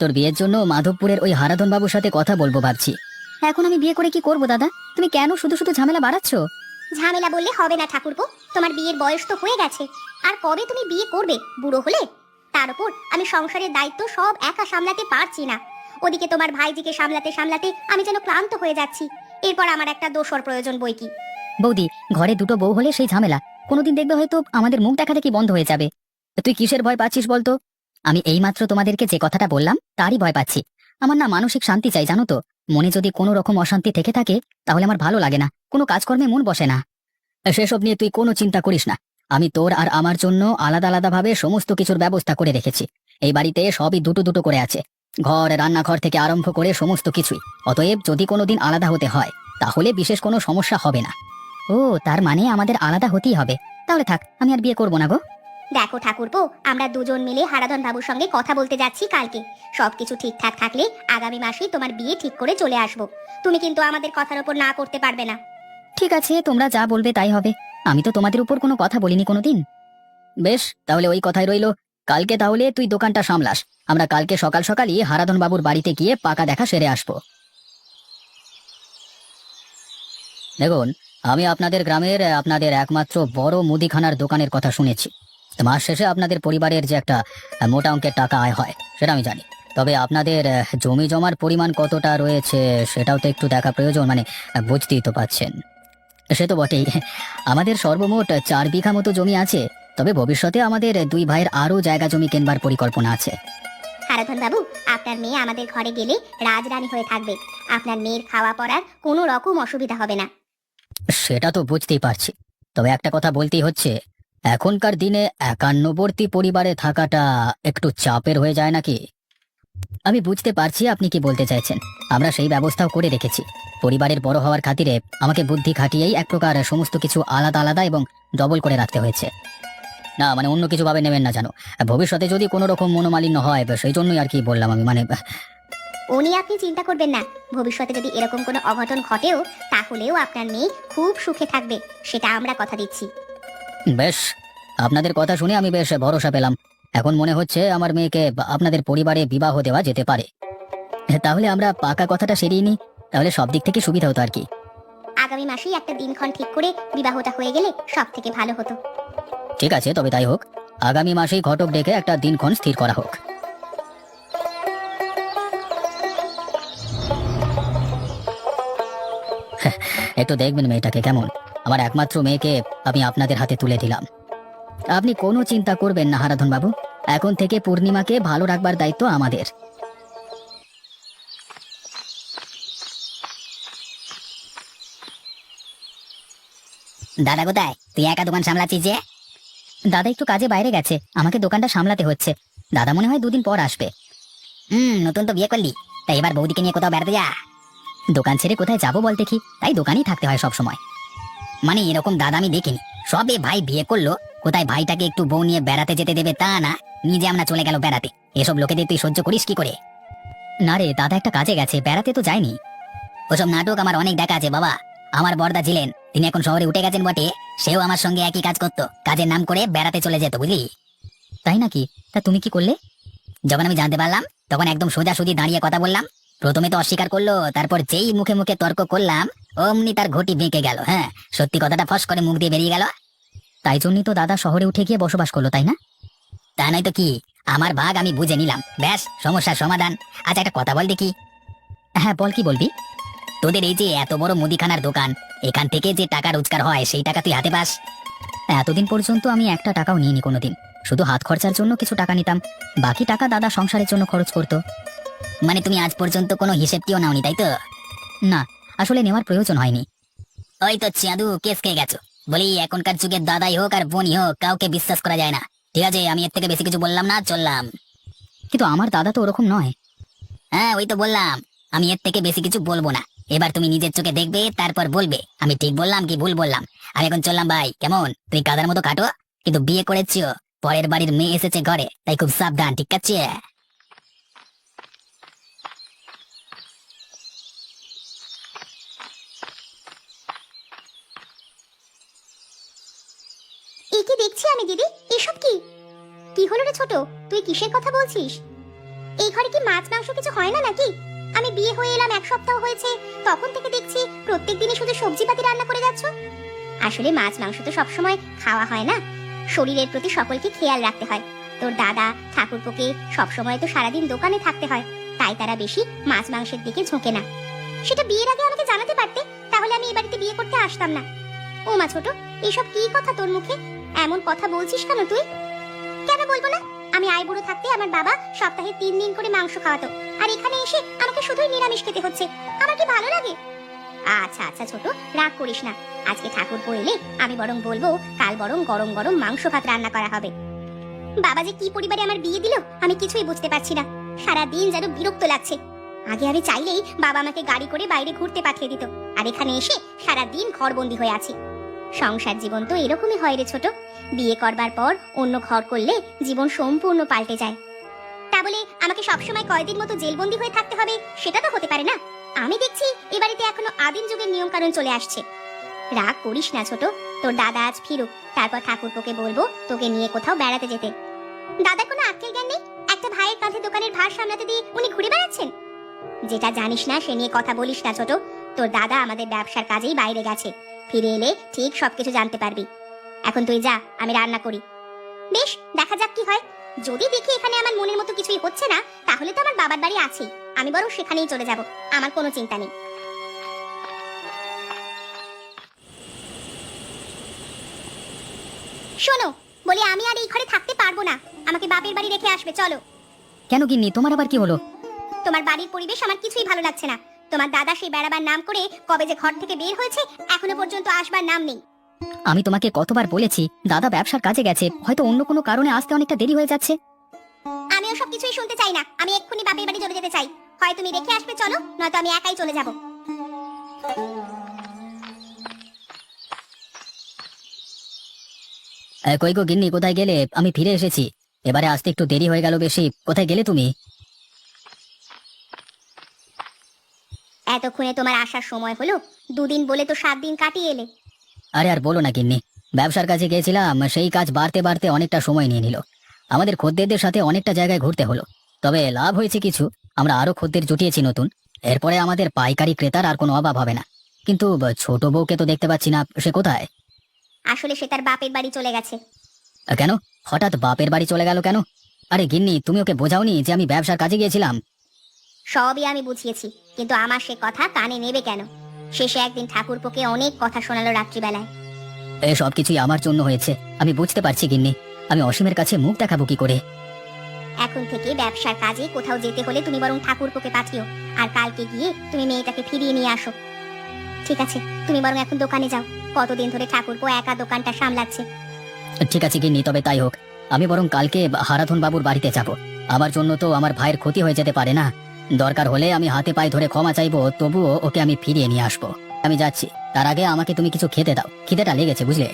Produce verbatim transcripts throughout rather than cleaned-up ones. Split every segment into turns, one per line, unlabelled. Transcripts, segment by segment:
তোর বিয়ের জন্য মাধবপুরের ওই হারাধন বাবুর সাথে কথা বলবো ভাবছি। এখন আমি বিয়ে করে কি করব দাদা? তুমি কেন শুধু শুধু ঝামেলা বাড়াচ্ছ?
ঝামেলা বললে হবে না ঠাকুরপো, তোমার বিয়ের বয়স তো হয়ে গেছে। আর কবে তুমি বিয়ে করবে বুড়ো হলে? তার উপর আমি সংসারের দায়িত্ব সব একা সামলাতে পারছি না। ওদিকে তোমার ভাইজিকে সামলাতে সামলাতে আমি যেন ক্লান্ত হয়ে যাচ্ছি। এরপর আমার একটা দোসর প্রয়োজন বই কি।
বৌদি, ঘরে দুটো বউ হলে সেই ঝামেলা কোনোদিন দেখবে হয়তো আমাদের মুখ দেখা দেখি বন্ধ হয়ে যাবে। তুই কিসের ভয় পাচ্ছিস বলতো? আমি এইমাত্র তোমাদেরকে যে কথাটা বললাম তারই ভয় পাচ্ছি। আমার না মানসিক শান্তি চাই, জানো তো। মনে যদি কোনো রকম অশান্তি থেকে থাকে তাহলে আমার ভালো লাগে না, কোনো কাজকর্মে মন বসে না। সেসব নিয়ে তুই কোনো চিন্তা করিস না। আমি তোর আর আমার জন্য আলাদা আলাদা ভাবে সমস্ত কিছুর ব্যবস্থা করে রেখেছি। এই বাড়িতে সবই দুটো দুটো করে আছে, ঘর রান্নাঘর থেকে আরম্ভ করে সমস্ত কিছুই। অতএব যদি কোনোদিন আলাদা হতে হয় তাহলে বিশেষ কোনো সমস্যা হবে না। ও, তার মানে আমাদের আলাদা হতেই হবে। তাহলে থাক, আমি আর বিয়ে করবো না গো।
দেখো ঠাকুরপো, আমরা দুজন মিলে হারাধন বাবুর সঙ্গে কথা বলতে যাচ্ছি কালকে। সবকিছু ঠিকঠাক থাকলে আগামী মাসেই তোমার বিয়ে ঠিক করে চলে আসবো। তুমি কিন্তু আমাদের কথার উপর না করতে পারবে না।
ঠিক আছে, তোমরা যা বলবে তাই হবে। আমি তো তোমাদের উপর কোনো কথা বলিনি কোনোদিন। বেশ, তাহলে ওই কথাই রইলো। কালকে তাহলে তুই দোকানটা সামলাস। আমরা কালকে সকাল সকালই হারাধন বাবুর বাড়িতে গিয়ে পাকা দেখা সেরে আসবো। দেখুন, আমি আপনাদের গ্রামের আপনাদের একমাত্র বড় মুদিখানার দোকানের কথা শুনেছি। মাস শেষে আপনাদের পরিবারের যে একটা মোটা অঙ্কের টাকা আয় হয় সেটা আমি জানি। তবে আপনাদের আহ, জমি জমার পরিমাণ কতটা রয়েছে সেটাও তো একটু দেখা প্রয়োজন, মানে আহ, বুঝতেই তো পাচ্ছেন। সে তো বটেই, আমাদের সর্বমোট চার বিঘা মতো জমি আছে। তবে ভবিষ্যতে আমাদের দুই ভাইয়ের আরো জায়গা জমি কেনবার পরিকল্পনা আছে।
হারাধন বাবু, আপনার মেয়ে আমাদের ঘরে গেলে রাজরানী হয়ে থাকবে। আপনার মেয়ের খাওয়া পড়ার কোনো রকম অসুবিধা হবে না।
সেটা তো বুঝতেই পারছি, তবে একটা কথা বলতেই হচ্ছে, এখনকার দিনে একান্নবর্তী পরিবারে থাকাটা একটু চাপের হয়ে যায় নাকি? আমি বুঝতে পারছি আপনি কি বলতে চাইছেন। আমরা সেই ব্যবস্থাও করে রেখেছি। পরিবারের বড় হওয়ার খাতিরে আমাকে বুদ্ধি খাটিয়েই এক প্রকার সমস্ত কিছু আলাদা আলাদা এবং ডবল করে রাখতে হয়েছে। না মানে অন্য কিছু ভাবে নেবেন না জানো, ভবিষ্যতে যদি কোনো রকম মনোমালিন্য হয় সেই জন্যই আর কি বললাম আমি, মানে
উনি আপনি চিন্তা করবেন না। ভবিষ্যতে যদি এরকম কোনো অঘটন ঘটেও তাহলেও আপনার মেয়ে খুব সুখে থাকবে, সেটা আমরা কথা দিচ্ছি।
বেশ, আপনাদের কথা শুনে আমি বেশ ভরসা পেলাম। এখন মনে হচ্ছে আমার মেয়েকে বা- আপনাদের পরিবারে বিবাহ দেওয়া যেতে পারে। তাহলে আমরা পাকা কথাটা সেরিয়ে নিই, তাহলে সব দিক থেকে সুবিধা হতো আর কি।
আগামী মাসেই একটা দিনক্ষণ ঠিক করে বিবাহটা হয়ে গেলে সব থেকে ভালো হতো।
ঠিক আছে, তবে তাই হোক। আগামী মাসেই ঘটক ডেকে একটা দিনক্ষণ স্থির করা হোক। একটু দেখবেন মেয়েটাকে কেমন। আমার একমাত্র মেয়েকে আমি আপনাদের হাতে তুলে দিলাম। আপনি কোনো চিন্তা করবেন না হারাধন বাবু, এখন থেকে পূর্ণিমাকে ভালো রাখবার দায়িত্ব আমাদের। দাদা কোথায়? তুই একা দোকান সামলাচ্ছিস যে? দাদা একটু কাজে বাইরে গেছে, আমাকে দোকানটা সামলাতে হচ্ছে। দাদা মনে হয় দুদিন পর আসবে। হুম, নতুন তো বিয়ে করলি, তাই এবার বৌদিকে নিয়ে কোথাও বেড়াতে যা। দোকান ছেড়ে কোথায় যাবো বল দেখি, তাই দোকানেই থাকতে হয় সব সময়। মানে এরকম দাদা আমি দেখিনি। সবে ভাই বিয়ে করলো, কোথায় ভাইটাকে একটু বউ নিয়ে বেড়াতে যেতে দেবে তা না, নিজে আমরা চলে গেল বেড়াতে। এসব লোকেদের তুই সহ্য করিস কি করে? না রে, দাদা একটা কাজে গেছে, বেড়াতে তো যায়নি। ওসব নাটক আমার অনেক দেখা আছে বাবা। আমার বড়দা ছিলেন, তিনি এখন শহরে উঠে গেছেন বটে, সেও আমার সঙ্গে একই কাজ করতো, কাজের নাম করে বেড়াতে চলে যেত বুঝলি। তাই নাকি? তা তুমি কি করলে? যখন আমি জানতে পারলাম তখন একদম সোজাসুজি দাঁড়িয়ে কথা বললাম। প্রথমে তো অস্বীকার করলো, তারপর যেই মুখে মুখে তর্ক করলাম অমনি তার ঘটি বেঁকে গেল। হ্যাঁ, সত্যি কথাটা ফস করে মুখ দিয়ে বেরিয়ে গেল। তাই জন্যই তো দাদা শহরে উঠে গিয়ে বসবাস করলো, তাই না? তা নয় তো কি, আমার ভাগ আমি বুঝে নিলাম, ব্যাস সমস্যার সমাধান। আচ্ছা একটা কথা বল দেখি। হ্যাঁ বল, কি বলবি? তোদের এই যে এত বড় মুদিখানার দোকান, এখান থেকে যে টাকা রোজগার হয় সেই টাকা তুই হাতে পাস? এতদিন পর্যন্ত আমি একটা টাকাও নিইনি কোনোদিন, শুধু হাত খরচার জন্য কিছু টাকা নিতাম, বাকি টাকা দাদা সংসারের জন্য খরচ করতো। মানে তুমি আজ পর্যন্ত কোনো হিসেবটিও নাওনি তাই তো? না, আসলে নেওয়ার প্রয়োজন হয়নি। ওই তো চাঁদু কেস খেয়ে গেছো। বলি এখনকার যুগের দাদাই হোক আর বোনই হোক, কাউকে বিশ্বাস করা যায় না। ঠিক আছে, আমি এর থেকে বেশি কিছু বললাম না, চললাম। কিন্তু আমার দাদা তো ওরকম নয়। হ্যাঁ ওই তো বললাম, আমি এর থেকে বেশি কিছু বলবো না। এবার তুমি নিজের চোখে দেখবে, তারপর বলবে আমি ঠিক বললাম কি ভুল বললাম। আমি এখন চললাম ভাই, কেমন? তুই কাদার মতো কাটো, কিন্তু বিয়ে করেছিও, পরের বাড়ির মেয়ে এসেছে ঘরে, তাই খুব সাবধান, ঠিক আছে?
এই কি দেখছি আমি দিদি, এসব কি? কি হলো রে ছোট, তুই কিসের কথা বলছিস? এই ঘরে কি মাছ মাংস কিছু হয় না নাকি? আমি বিয়ে হয়ে এলাম এক সপ্তাহ হয়েছে, তখন থেকে দেখছি প্রত্যেক দিনই শুধু সবজিপাতি রান্না করে যাচ্ছ। আসলে মাছ মাংস তো সবসময় খাওয়া হয় না, শরীরের প্রতি সকলকে খেয়াল রাখতে হয়। তোর দাদা ঠাকুরপোকে সবসময় তো সারাদিন দোকানে থাকতে হয়, তাই তারা বেশি মাছ মাংসের দিকে ঝোঁকে না। সেটা বিয়ের আগে আমাকে জানাতে পারতে, তাহলে আমি এই বাড়িতে বিয়ে করতে আসতাম না। ও মা ছোট, এসব কি কথা তোর মুখে? এমন কথা বলছিস কেন তুই? কেন বলবো না? আমি আই বুড়ো থাকতে আমার বাবা সপ্তাহে তিন দিন করে মাংস খাওয়াতো, আর এখানে এসে আমাকে শুধুই নিরামিষ খেতে হচ্ছে। আমার কি ভালো লাগে? আচ্ছা আচ্ছা ছোট, রাগ করিস না। আজকে ঠাকুরপো এলে আমি বরং বলবো কাল বরং গরম গরম মাংস ভাত রান্না করা হবে। বাবা যে কি পরিবারে আমার বিয়ে দিল আমি কিছুই বুঝতে পারছি না। সারা দিন যেন বিরক্ত লাগছে। আগে আমি চাইলেই বাবা আমাকে গাড়ি করে বাইরে ঘুরতে পাঠিয়ে দিত, আর এখানে এসে সারা দিন ঘরবন্দি হয়ে আছি। সংসার জীবন তো এরকমই হয় রে ছোট, বিয়ে করবার পর অন্য ঘর করলে জীবন সম্পূর্ণ পাল্টে যায়। তা বলে আমাকে সবসময় কয়দিন মতো জেলবন্দি হয়ে থাকতে হবে সেটা তো হতে পারে না। আমি দেখছি এ বাড়িতে এখনো আদিম যুগের নিয়ম কানুন চলে আসছে। রাগ করিস না ছোট, তোর দাদা আজ ফিরুক, তারপর ঠাকুরপোকে বলবো তোকে নিয়ে কোথাও বেড়াতে যেতে। দাদা কোনো আক্কেল জ্ঞান নেই? একটা ভাইয়ের কাঁধে দোকানের ভার সামলাতে দিয়ে উনি ঘুরে বেড়াচ্ছেন। যেটা জানিস না সে নিয়ে কথা বলিস না ছোট। তোর দাদা আমাদের ব্যবসার কাজেই বাইরে গেছে, ফিরে এলে ঠিক সবকিছু জানতে পারবি। এখন তুই যা, আমি রান্না করি। বেশ, দেখা যাক কি হয়। যদি দেখি এখানে আমার মনের মতো কিছুই হচ্ছে না, তাহলে তো আমার বাবার বাড়ি আছেই, আমি বরং সেখানেই চলে যাব। আমার কোনো চিন্তা নেই। শোনো, বলি আমি আর এই ঘরে থাকতে পারবো না, আমাকে বাপের বাড়ি রেখে আসবে, চলো।
কেন গিন্নি, তোমার আবার কি হলো?
তোমার বাড়ির পরিবেশ আমার কিছুই ভালো লাগছে না। তোমার দাদা সেই বেড়াবার নাম করে কবে যে ঘর থেকে বের হয়েছে, এখনো পর্যন্ত আসবার নাম নেই।
আমি তোমাকে কতবার বলেছি দাদা ব্যবসার কাজে গেছে, হয়তো অন্য কোনো কারণে আসতে অনেকটা দেরি হয়ে যাচ্ছে।
আমি ওসব কিছুই শুনতে চাই না, আমি এক্ষুনি বাপের বাড়ি চলে যেতে চাই। হয় তুমি রেখে আসবে চলো, নয়তো আমি একাই চলে যাব।
এ, কই গো গিন্নি, কোথায় গেলে? আমি ফিরে এসেছি, এবারে আসতে একটু দেরি হয়ে গেল বেশি। কোথায় গেলে তুমি?
এতক্ষণে তোমার আসার সময় হলো? দুদিন বলে তো সাত দিন কাটিয়ে এলে।
আরে আর বলো না গিন্নি, ব্যবসার কাজে গিয়েছিলাম, সেই কাজ বাড়তে বাড়তে অনেকটা সময় নিয়ে নিল। আমাদের খদ্দেরদের সাথে অনেকটা জায়গায় ঘুরতে হলো, তবে লাভ হয়েছে কিছু। আমরা আরো খদ্দের জুটিয়েছি নতুন, এরপরে আমাদের পাইকারি ক্রেতার আর কোনো অভাব হবে না। কিন্তু ব- ছোট বউকে তো দেখতে পাচ্ছি না, সে কোথায়?
আসলে সে তার বাপের বাড়ি চলে গেছে।
আ, কেন হঠাৎ বাপের বাড়ি চলে গেল কেন? আরে গিন্নি, তুমি ওকে বোঝাওনি যে আমি ব্যবসার কাজে গিয়েছিলাম?
সবই আমি বুঝিয়েছি, কিন্তু আমার সে কথা কানে নেবে কেন? শেষে একদিন ঠাকুরপোকে অনেক কথা শোনালো রাত্রিবেলায়।
এ সব কিছুই আমার জন্য হয়েছে, আমি বুঝতে পারছি গিন্নি। আমি অসীমের কাছে মুখ দেখাবো কি করে?
এখন থেকে ব্যবসার কাজে কোথাও যেতে হলে তুমি বরং ঠাকুরপোকে পাঠিও, আর কালকে গিয়ে তুমি মেয়েটাকে ফিরিয়ে নিয়ে আসো। ঠিক আছে, তুমি বরং এখন দোকানে যাও। কতদিন ধরে ঠাকুরপো একা দোকানটা সামলাচ্ছে।
ঠিক আছে গিন্নি, তবে তাই হোক। আমি বরং কালকে হারাধন বাবুর বাড়িতে যাব। আমার জন্য তো আমার ভাইয়ের ক্ষতি হয়ে যেতে পারে না। দরকার হলে আমি হাতে পায়ে ধরে ক্ষমা চাইবো, তবুও ওকে আমি ফিরিয়ে নিয়ে আসবো। আমি যাচ্ছি, তার আগে আমাকে তুমি কিছু খেতে দাও, খিদেটা লেগেছে বুঝলে।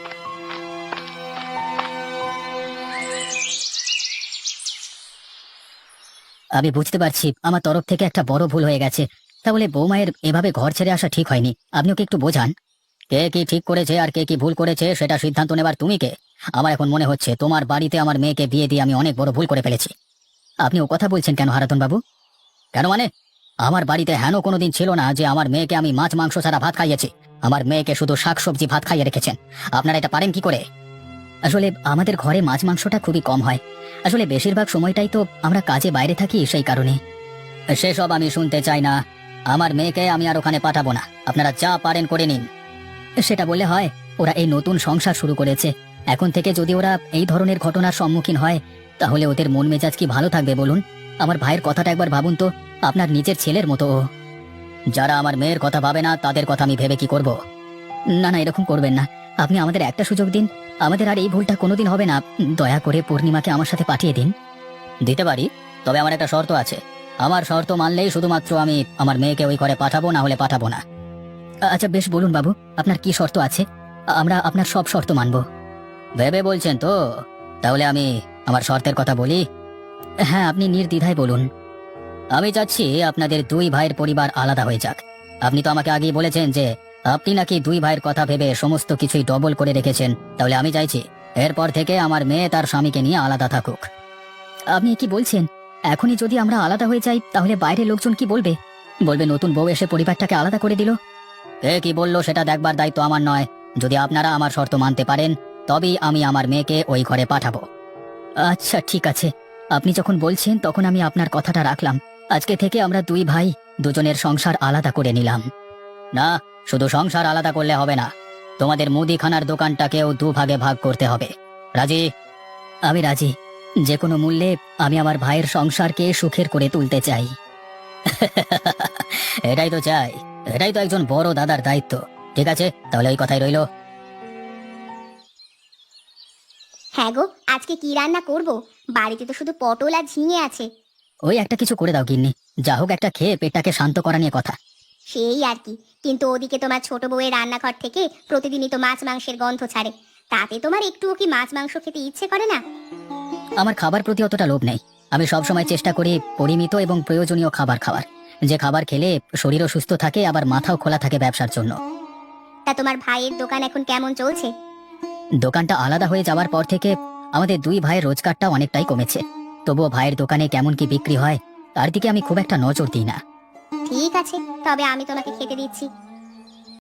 আমি বুঝতে পারছি আমার তরফ থেকে একটা বড় ভুল হয়ে গেছে। তাহলে বৌমায়ের এভাবে ঘর ছেড়ে আসা ঠিক হয়নি, আপনি ওকে একটু বোঝান। কে কি ঠিক করেছে আর কে কি ভুল করেছে সেটা সিদ্ধান্ত নেবার তুমি কে? আমার এখন মনে হচ্ছে তোমার বাড়িতে আমার মেয়েকে বিয়ে দিয়ে আমি অনেক বড় ভুল করে ফেলেছি। আপনি ও কথা বলছেন কেন হারাধন বাবু? কেন মানে? আমার বাড়িতে হেন কোনোদিন ছিল না যে আমার মেয়েকে আমি মাছ মাংস ছাড়া ভাত খাইয়েছি। আমার মেয়েকে শুধু শাকসবজি ভাত খাইয়ে রেখেছেন। আপনারা এটা পারেন কি করে? আসলে আমাদের ঘরে মাছ মাংসটা খুবই কম হয়। আসলে বেশিরভাগ সময়টাই তো আমরা কাজে বাইরে থাকি, সেই কারণে। সেসব আমি শুনতে চাই না। আমার মেয়েকে আমি আর ওখানে পাঠাবো না, আপনারা যা পারেন করে নিন। সেটা বললে হয়? ওরা এই নতুন সংসার শুরু করেছে, এখন থেকে যদি ওরা এই ধরনের ঘটনার সম্মুখীন হয় তাহলে ওদের মন মেজাজ কি ভালো থাকবে বলুন? আমার ভাইয়ের কথাটা একবার ভাবুন তো, আপনার নিজের ছেলের মতো ও। যারা আমার মেয়ের কথা ভাবে না তাদের কথা আমি ভেবে কি করব? না না, এরকম করবেন না। আপনি আমাদের একটা সুযোগ দিন, আমাদের আর এই ভুলটা কোনোদিন হবে না। দয়া করে পূর্ণিমাকে আমার সাথে পাঠিয়ে দিন। দিতে পারি, তবে আমার একটা শর্ত আছে। আমার শর্ত মানলেই শুধুমাত্র আমি আমার মেয়েকে ওই ঘরে পাঠাবো, না হলে পাঠাবো না। আচ্ছা বেশ, বলুন বাবু, আপনার কি শর্ত আছে? আমরা আপনার সব শর্ত মানব। ভেবে বলছেন তো? তাহলে আমি আমার শর্তের কথা বলি। হ্যাঁ, আপনি নির্দ্বিধায় বলুন। আমি চাচ্ছি আপনাদের দুই ভাইয়ের পরিবার আলাদা হয়ে যাক। আপনি তো আমাকে আগেই বলেছেন যে আপনি নাকি দুই ভাইয়ের কথা ভেবে সমস্ত কিছুই ডবল করে রেখেছেন। তাহলে আমি চাইছি এরপর থেকে আমার মেয়ে তার স্বামীকে নিয়ে আলাদা থাকুক। আপনি কি বলছেন? এখনই যদি আমরা আলাদা হয়ে যাই তাহলে বাইরের লোকজন কি বলবে? বলবে নতুন বউ এসে পরিবারটাকে আলাদা করে দিল। কে কি বললো সেটা দেখবার দায়িত্ব আমার নয়। যদি আপনারা আমার শর্ত মানতে পারেন তবেই আমি আমার মেয়েকে ওই ঘরে পাঠাবো। আচ্ছা ঠিক আছে, আপনি যখন বলছেন তখন আমি আপনার কথাটা রাখলাম। আজকে থেকে আমরা দুই ভাই দুজনের সংসার আলাদা করে নিলাম। না, শুধু সংসার আলাদা করলে হবে না, তোমাদের মুদিখানার দোকানটাকেও দুভাগে ভাগ করতে হবে। রাজি? আমি রাজি। যে কোনো মূল্যে আমি আমার ভাইয়ের সংসারকে সুখের করে তুলতে চাই। এটাই তো চাই, এটাই তো একজন বড় দাদার দায়িত্ব। ঠিক আছে, তাহলে ওই কথাই রইলো।
হ্যাঁ গো, আজকে কি রান্না করব? বাড়িতে তো শুধু পটল আর ঝিঙে আছে।
ওই একটা কিছু করে দাও গিন্নি, যা হোক একটা খেয়ে পেটটাকে শান্ত করা নিয়ে কথা।
সেই আর কি, কিন্তু ওদিকে তোমার ছোট বউয়ের রান্নাঘর থেকে প্রতিদিনই তো মাছ মাংসের গন্ধ ছাড়ে। তাতে তোমার একটুও কি মাছ মাংস খেতে ইচ্ছে করে না?
আমার খাবার প্রতি অতটা লোভ নেই। আমি সবসময় চেষ্টা করি পরিমিত এবং প্রয়োজনীয় খাবার খাওয়ার, যে খাবার খেলে শরীরও সুস্থ থাকে আবার মাথাও খোলা থাকে ব্যবসার জন্য।
তা তোমার ভাইয়ের দোকান এখন কেমন চলছে?
দোকানটা আলাদা হয়ে যাওয়ার পর থেকে আমাদের দুই ভাইয়ের রোজগারটা অনেকটাই কমেছে। তবুও ভাইয়ের দোকানে কেমন কি বিক্রি হয় তার দিকে আমি খুব একটা নজর দিই না।
ঠিক আছে, তবে আমি তোমাকে খেতে দিচ্ছি।